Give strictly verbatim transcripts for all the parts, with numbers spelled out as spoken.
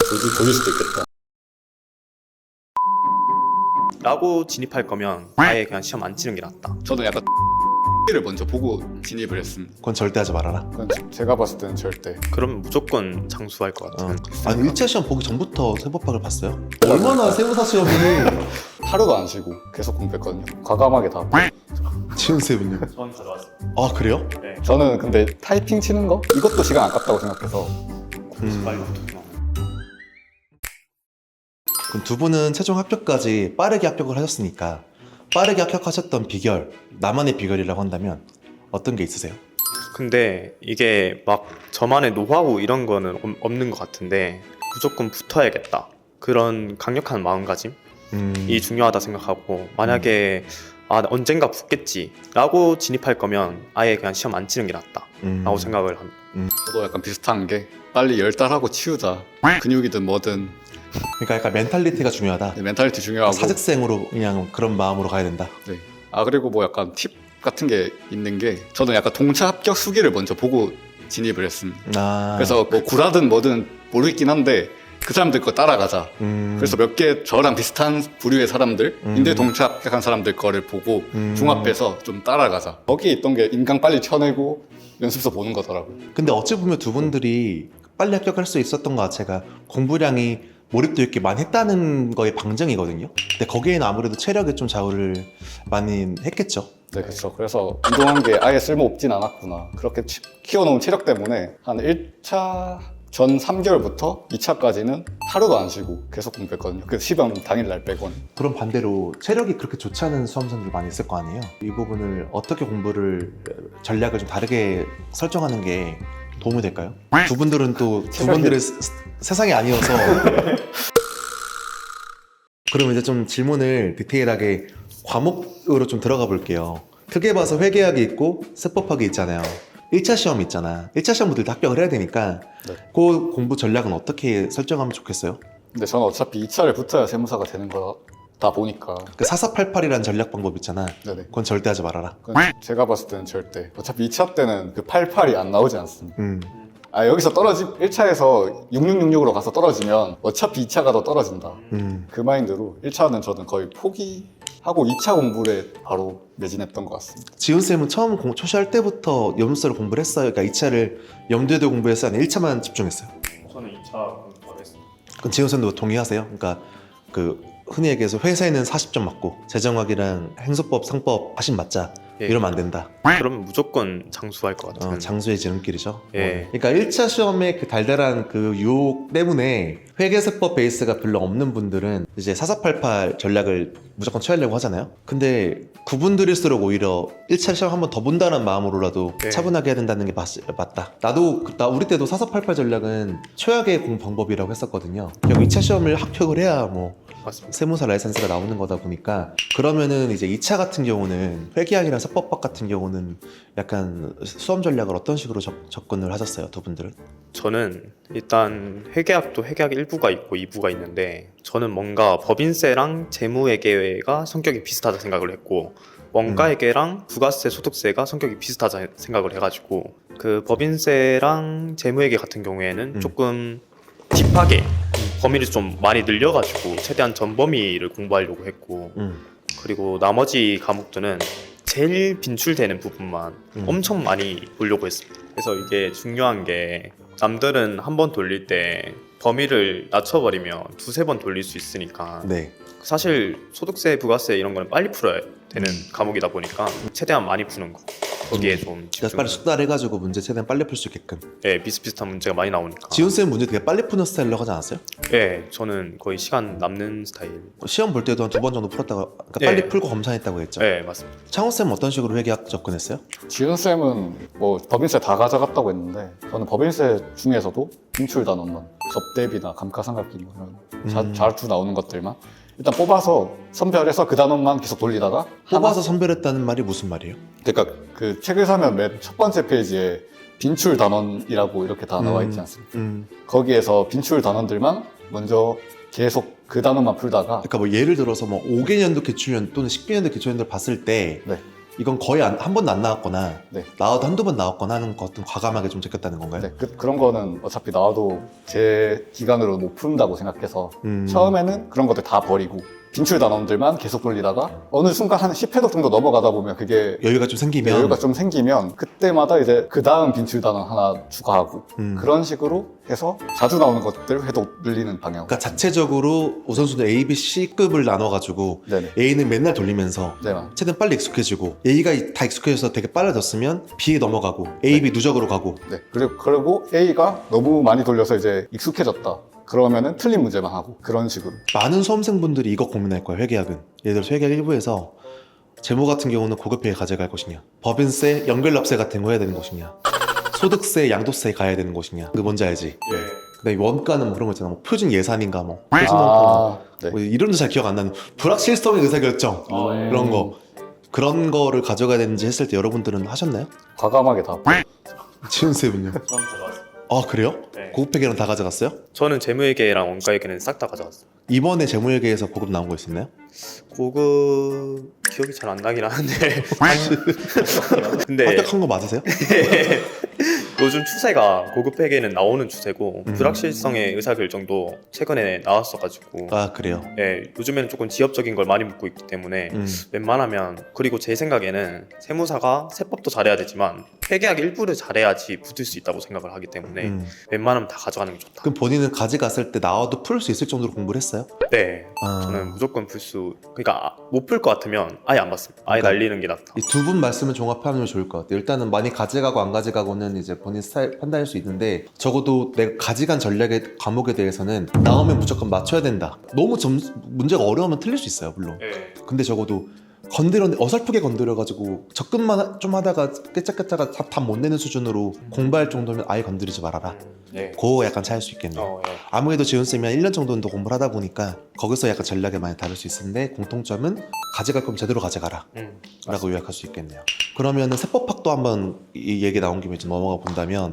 돌릴, 돌릴 수도 있겠다. 라고 진입할 거면 아예 그냥 시험 안 치는 게 낫다. 저는 약간 를 먼저 보고 진입을 했습니다. 그건 절대 하지 말아라. 그건 제가 봤을 때는 절대. 그러면 무조건 장수할 것 같은. 어. 아니 일 차 시험 보기 전부터 세법학을 봤어요? 얼마나 세무사 시험이 하루도 안 쉬고 계속 공부했거든요. 과감하게 다. 지훈 쌤은요? 전 가져왔어요. 아 그래요? 네. 저는 근데 타이핑 치는 거 이것도 시간 아깝다고 생각해서 음. 빨리 붙었구나. 그럼 두 분은 최종 합격까지 빠르게 합격을 하셨으니까 빠르게 합격하셨던 비결, 나만의 비결이라고 한다면 어떤 게 있으세요? 근데 이게 막 저만의 노하우 이런 거는 없- 없는 것 같은데 무조건 붙어야겠다. 그런 강력한 마음가짐이 음. 중요하다 생각하고 만약에 아 언젠가 붙겠지 라고 진입할 거면 아예 그냥 시험 안 치는 게 낫다 음. 라고 생각을 합니다. 저도 약간 비슷한 게 빨리 열달하고 치우자. 근육이든 뭐든 그러니까 약간 멘탈리티가 중요하다. 멘탈리티 중요하고. 사직생으로 그냥 그런 마음으로 가야 된다. 네. 아 그리고 뭐 약간 팁 같은 게 있는 게 저는 약간 동차 합격 수기를 먼저 보고 진입을 했습니다. 아. 그래서 뭐 구라든 뭐든 모르겠긴 한데 그 사람들 거 따라가자. 음. 그래서 몇 개 저랑 비슷한 부류의 사람들인데 음. 동차 합격한 사람들 거를 보고 음. 종합해서 좀 따라가자. 거기에 있던 게 인강 빨리 쳐내고 연습서 보는 거더라고요. 근데 어찌 보면 두 분들이 빨리 합격할 수 있었던 것 자체가 공부량이 몰입도 있게 많이 했다는 거의 방증이거든요. 근데 거기에는 아무래도 체력에 좀 좌우를 많이 했겠죠. 네, 그렇죠. 그래서 운동한 게 아예 쓸모 없진 않았구나. 그렇게 치- 키워놓은 체력 때문에 한 일 차 전 삼 개월부터 이 차까지는 하루도 안 쉬고 계속 공부했거든요. 그 시험 당일날 빼고는. 그럼 반대로 체력이 그렇게 좋지 않은 수험생들 많이 있을 거 아니에요. 이 부분을 어떻게 공부를 전략을 좀 다르게 설정하는 게 도움이 될까요? 두 분들은 또 두 체력이- 분들의 스- 스- 세상이 아니어서 그럼 이제 좀 질문을 디테일하게 과목으로 좀 들어가 볼게요. 크게 봐서 회계학이 있고 세법학이 있잖아요. 일 차 시험이 있잖아. 일 차 시험부터 일단 합격을 해야 되니까 네. 그 공부 전략은 어떻게 설정하면 좋겠어요? 근데 저는 어차피 이 차를 붙어야 세무사가 되는 거다 보니까. 그 사사팔팔이라는 전략 방법 있잖아. 네네. 그건 절대 하지 말아라. 그건 제가 봤을 때는 절대. 어차피 이 차 때는 그 팔십팔이 안 나오지 않습니다. 음. 아 여기서 떨어지 일 차에서 육육육육으로 가서 떨어지면 어차피 이 차가 더 떨어진다. 음. 그 마인드로 일 차는 저는 거의 포기하고 이 차 공부를 바로 매진했던 것 같습니다. 지훈 쌤은 처음 공, 초시할 때부터 염수를 공부를 했어요. 그러니까 이 차를 염두에 두고 공부했어요. 아니면 일 차만 집중했어요. 저는 이 차 공부를 했습니다. 그럼 지훈 쌤도 동의하세요? 그러니까 그 흔히 얘기해서 회사에는 사십 점 맞고 재정학이랑 행소법, 상법 하신 맞자 예. 이러면 안 된다. 그러면 무조건 장수할 것 같은. 어, 장수의 지름길이죠. 예. 어. 그러니까 일 차 시험의 그 달달한 그 유혹 때문에 회계세법 베이스가 별로 없는 분들은 이제 사사팔팔 전략을 무조건 취하려고 하잖아요. 근데 그분들일수록 오히려 일 차 시험 한 번 더 본다는 마음으로라도 예. 차분하게 해야 된다는 게 맞, 맞다. 나도 그- 나 우리 때도 사사팔팔 전략은 최악의 공 방법이라고 했었거든요. 결국 이 차 시험을 합격을 해야 뭐 맞습니다. 세무사 라이센스가 나오는 거다 보니까 그러면은 이제 이 차 같은 경우는 회계학이랑 세법학 같은 경우는 약간 수험 전략을 어떤 식으로 접, 접근을 하셨어요, 두 분들은? 저는 일단 회계학도 회계학 일 부가 있고 이 부가 있는데 저는 뭔가 법인세랑 재무회계가 성격이 비슷하다 생각을 했고 원가회계랑 부가세, 소득세가 성격이 비슷하다 생각을 해가지고 그 법인세랑 재무회계 같은 경우에는 음. 조금 딥하게 범위를 좀 많이 늘려가지고 최대한 전 범위를 공부하려고 했고 음. 그리고 나머지 과목들은 제일 빈출되는 부분만 음. 엄청 많이 보려고 했습니다. 그래서 이게 중요한 게 남들은 한 번 돌릴 때 범위를 낮춰버리면 두세 번 돌릴 수 있으니까 네. 사실 소득세, 부가세 이런 거는 빨리 풀어야 되는 과목이다 보니까 최대한 많이 푸는 거 거기에 좀 그래서 집중. 빨리 숙달해가지고 문제 최대한 빨리 풀 수 있게끔. 네, 비슷비슷한 문제가 많이 나오니까. 지훈 쌤 문제 되게 빨리 푸는 스타일이라고 하지 않았어요? 네, 저는 거의 시간 남는 스타일. 시험 볼 때도 한 두 번 정도 풀었다가 그러니까 네. 빨리 풀고 검사했다고 했죠. 네, 맞습니다. 창호 쌤 어떤 식으로 회계학 접근했어요? 지은 쌤은 뭐 법인세 다 가져갔다고 했는데 저는 법인세 중에서도 인출 단원만 접대비나 감가상각비 뭐 이런 자, 음. 자르투 나오는 것들만 일단 뽑아서 선별해서 그 단원만 계속 돌리다가 뽑아서 선별했다는 말이 무슨 말이에요? 그러니까 그 책을 사면 맨 첫 번째 페이지에 빈출 단원이라고 이렇게 다 나와 있지 않습니까? 음. 거기에서 빈출 단원들만 먼저 계속 그 단원만 풀다가 그러니까 뭐 예를 들어서 뭐 오 개년도 기출연 또는 십 개년도 기출연도를 봤을 때 네. 이건 거의 안- 한 번도 안 나왔거나 네. 나와도 한두 번 나왔거나 하는 것좀 과감하게 좀 제꼈다는 건가요? 네, 그, 그런 거는 어차피 나와도 제 기간으로 못 푼다고 생각해서 음. 처음에는 그런 것들 다 버리고 빈출 단원들만 계속 돌리다가 어느 순간 한 십 회독 정도 넘어가다 보면 그게 여유가 좀 생기면 여유가 좀 생기면 그때마다 이제 그 다음 빈출 단원 하나 추가하고 음. 그런 식으로 해서 자주 나오는 것들 회독 늘리는 방향. 그러니까 자체적으로 우선순위 A, B, C급을 나눠가지고 네네. A는 맨날 돌리면서 네, 최대한 빨리 익숙해지고 A가 다 익숙해져서 되게 빨라졌으면 B에 넘어가고 A, B 누적으로 가고 네. 그리고, 그리고 A가 너무 많이 돌려서 이제 익숙해졌다. 그러면은 틀린 문제만 하고 그런 식으로. 많은 수험생분들이 이거 고민할 거예요. 회계학은 예를 들어서 회계학 일부에서 재무 같은 경우는 고급회에 가져갈 것이냐, 법인세, 연결납세 같은 거 해야 되는 것이냐, 소득세, 양도세 가야 되는 것이냐. 그 뭔지 알지? 예. 그다음에 원가는 뭐 그런 거 있잖아. 뭐 표준 예산인가 뭐 표준 원가 아, 네. 뭐 이름도 잘 기억 안 나는 불확실성의 의사결정 어, 예. 그런 거 그런 거를 가져가야 되는지 했을 때 여러분들은 하셨나요? 과감하게 다. 지훈 쌤은요? 저는 가져왔어요. 아 그래요? 네. 고급회계랑 다 가져갔어요? 저는 재무회계랑 원가회계는 싹 다 가져왔어요. 이번에 재무회계에서 고급 나온 거 있었나요? 고급 기억이 잘 안 나긴 하는데 근데 합격한 거 맞으세요? 요즘 추세가 고급 회계는 나오는 추세고 음. 불확실성의 의사결정도 최근에 나왔어가지고 아 그래요? 예, 요즘에는 조금 지엽적인 걸 많이 묻고 있기 때문에 음. 웬만하면 그리고 제 생각에는 세무사가 세법도 잘해야 되지만 회계학 일부를 잘해야지 붙을 수 있다고 생각을 하기 때문에 음. 웬만하면 다 가져가는 게 좋다. 그럼 본인은 가져갔을 때 나와도 풀 수 있을 정도로 공부를 했어요? 네, 아. 저는 무조건 풀 수 그러니까 못 풀 것 같으면 아예 안 받습니다. 아예 그러니까 날리는 게 낫다. 이 두 분 말씀을 종합하면 좋을 것 같아요. 일단은 많이 가져가고 안 가져가고는 이제 본인 스타일 판단할 수 있는데 적어도 내가 가져간 전략의 과목에 대해서는 나오면 무조건 맞춰야 된다. 너무 점, 문제가 어려우면 틀릴 수 있어요, 물론. 네. 근데 적어도 건드려 어설프게 건드려가지고 접근만 좀 하다가 깨짝깨짝가 답 못 내는 수준으로 공부할 정도면 아예 건드리지 말아라. 네. 그거 약간 차일 수 있겠네요. 어, 예. 아무래도 지훈쌤이 한 일 년 정도는 더 공부를 하다 보니까 거기서 약간 전략이 많이 다를 수 있는데 공통점은 가져갈 거면 제대로 가져가라 음, 라고 요약할 수 있겠네요. 그러면은 세법학도 한번 이 얘기 나온 김에 좀 넘어가 본다면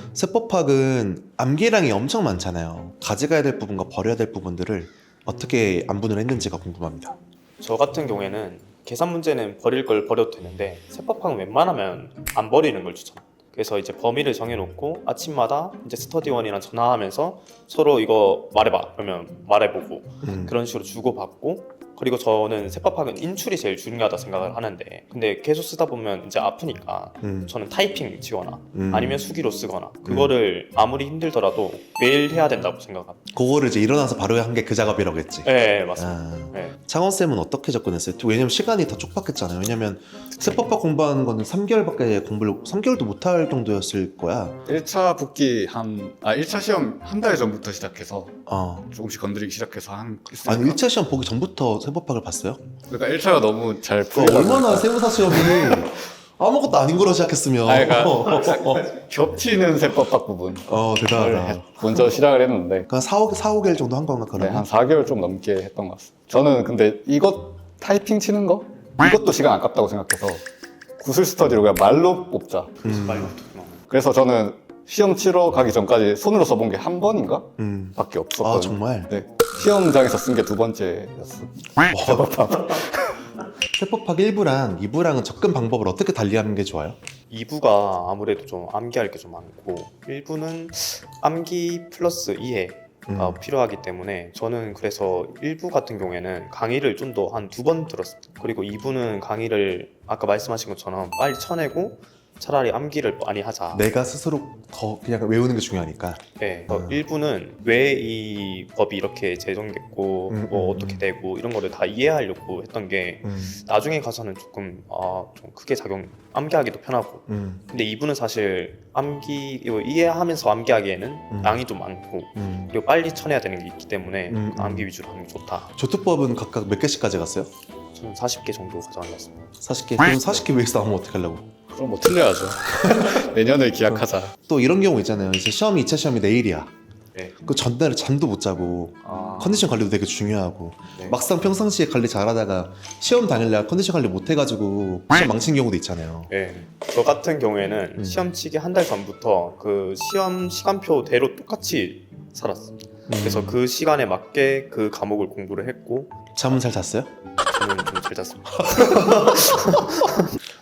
세법학은 암기량이 엄청 많잖아요. 가져가야 될 부분과 버려야 될 부분들을 어떻게 안분을 했는지가 궁금합니다. 저 같은 경우에는 계산 문제는 버릴 걸 버려도 되는데 세법학은 웬만하면 안 버리는 걸 추천해요. 그래서 이제 범위를 정해놓고 아침마다 이제 스터디원이랑 전화하면서 서로 이거 말해봐 그러면 말해보고 음. 그런 식으로 주고받고 그리고 저는 세법학은 인출이 제일 중요하다 생각을 하는데 근데 계속 쓰다 보면 이제 아프니까 음. 저는 타이핑 치거나 음. 아니면 수기로 쓰거나 그거를 아무리 힘들더라도 매일 해야 된다고 생각합니다. 그거를 이제 일어나서 바로 한 게 그 작업이라고 했지. 네 맞습니다. 아. 네. 창원쌤은 어떻게 접근했어요? 왜냐면 시간이 더 촉박했잖아요. 왜냐면 세법학 공부하는 거는 삼 개월밖에 공부를 삼 개월도 못 할 정도였을 거야. 일 차 붙기 한, 아, 일 차 시험 한 달 전부터 시작해서 어. 조금씩 건드리기 시작해서 한. 아니 일 차 시험 보기 전부터 세법학을 봤어요? 그러니까 일 차가 너무 잘 그 풀리다 얼마나 보니까 세무사 시험이 아무것도 아닌 거로 시작했으면. 아, 그러니까 겹치는 세법학 부분. 어 대단하다. 먼저 시작을 했는데 그냥 사, 오, 사, 오 개월 정도 한 건가 네, 그러면? 한 사 개월 좀 넘게 했던 것 같습니다. 저는 근데 이것 타이핑 치는 거 이것도 시간 아깝다고 생각해서 구슬 스터디로 그냥 말로 뽑자. 음, 그래서 저는 시험 치러 가기 전까지 손으로 써본 게 한 번인가 음. 밖에 아 없었거든요. 정말? 네, 시험장에서 쓴 게 두 번째였어요. 세법학 일 부랑 이 부랑은 접근 방법을 어떻게 달리하는 게 좋아요? 이 부가 아무래도 좀 암기할 게 좀 많고 일 부는 암기 플러스 이해가 음. 필요하기 때문에 저는 그래서 일 부 같은 경우에는 강의를 좀 더 한 두 번 들었어요. 그리고 이 부는 강의를 아까 말씀하신 것처럼 빨리 쳐내고 차라리 암기를 많이 하자. 내가 스스로 더 그냥 외우는 게 중요하니까. 네. 그래서 음. 일 부는 왜 이 법이 이렇게 제정됐고 음, 뭐 음, 어떻게 음. 되고 이런 거를 다 이해하려고 했던 게 음. 나중에 가서는 조금 아, 좀 크게 작용 암기하기도 편하고 음. 근데 이 부는 사실 암기 이거 이해하면서 암기하기에는 음. 양이 좀 많고 음. 그리고 빨리 쳐내야 되는 게 있기 때문에 음, 음. 암기 위주로 하는 게 좋다. 조투법은 각각 몇 개씩 가져갔어요? 저는 사십 개 정도 가져왔습니다. 사십 개? 그럼 사십 개 위해서 나오면 어떻게 하려고? 그럼 뭐 틀려야죠. 내년을 기약하자. 또 이런 경우 있잖아요. 이제 시험이 이 차 시험이 내일이야. 네. 그 전날에 잠도 못 자고 아, 컨디션 관리도 되게 중요하고 네. 막상 평상시에 관리 잘하다가 시험 당일날 컨디션 관리 못 해가지고 시험 망친 경우도 있잖아요. 네. 저 같은 경우에는 음. 시험 치기 한 달 전부터 그 시험 시간표대로 똑같이 살았어요. 그래서 음. 그 시간에 맞게 그 과목을 공부를 했고 잠은 잘 잤어요? 저는 좀 잘 잤습니다.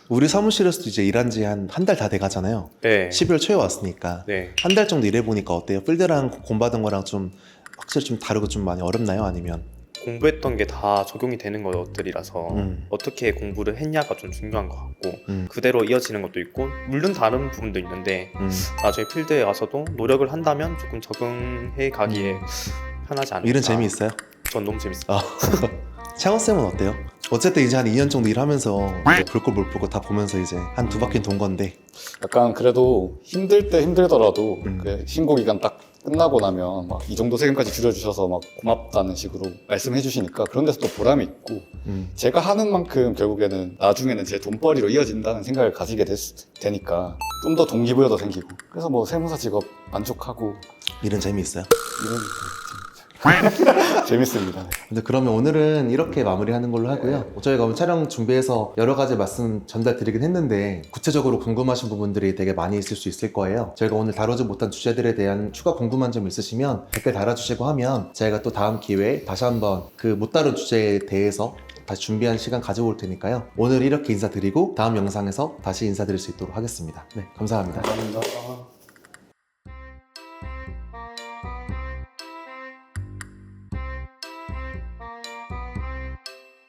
우리 사무실에서도 이제 일한 지 한 한 달 다 돼가잖아요. 네. 십이월 초에 왔으니까 네. 한 달 정도 일해보니까 어때요? 필드랑 공부하던 거랑 좀 확실히 좀 다르고 좀 많이 어렵나요? 아니면? 공부했던 게 다 적용이 되는 것들이라서 음. 어떻게 공부를 했냐가 좀 중요한 것 같고 음. 그대로 이어지는 것도 있고 물론 다른 부분도 있는데 음. 나중에 필드에 와서도 노력을 한다면 조금 적응해 가기에 편하지 않을까. 일은 재미있어요? 전 너무 재밌어요. 아. 창원쌤은 어때요? 어쨌든 이제 한 이 년 정도 일하면서 볼 거 못 볼 거 다 보면서 이제 한 두 바퀴 돈 건데 약간 그래도 힘들 때 힘들더라도 음. 그 신고 기간 딱 끝나고 나면 막 이 정도 세금까지 줄여주셔서 막 고맙다는 식으로 말씀해 주시니까 그런 데서 또 보람이 있고 음. 제가 하는 만큼 결국에는 나중에는 제 돈벌이로 이어진다는 생각을 가지게 됐, 되니까 좀 더 동기부여도 생기고 그래서 뭐 세무사 직업 만족하고 일은 재미있어요? 이런 재밌- 재밌습니다. 네. 근데 그러면 오늘은 이렇게 마무리하는 걸로 하고요. 저희가 오늘 촬영 준비해서 여러 가지 말씀 전달드리긴 했는데 구체적으로 궁금하신 부분들이 되게 많이 있을 수 있을 거예요. 저희가 오늘 다루지 못한 주제들에 대한 추가 궁금한 점 있으시면 댓글 달아주시고 하면 저희가 또 다음 기회에 다시 한번 그 못 다룬 주제에 대해서 다시 준비한 시간 가져올 테니까요. 오늘 이렇게 인사드리고 다음 영상에서 다시 인사드릴 수 있도록 하겠습니다. 네, 감사합니다. 감사합니다.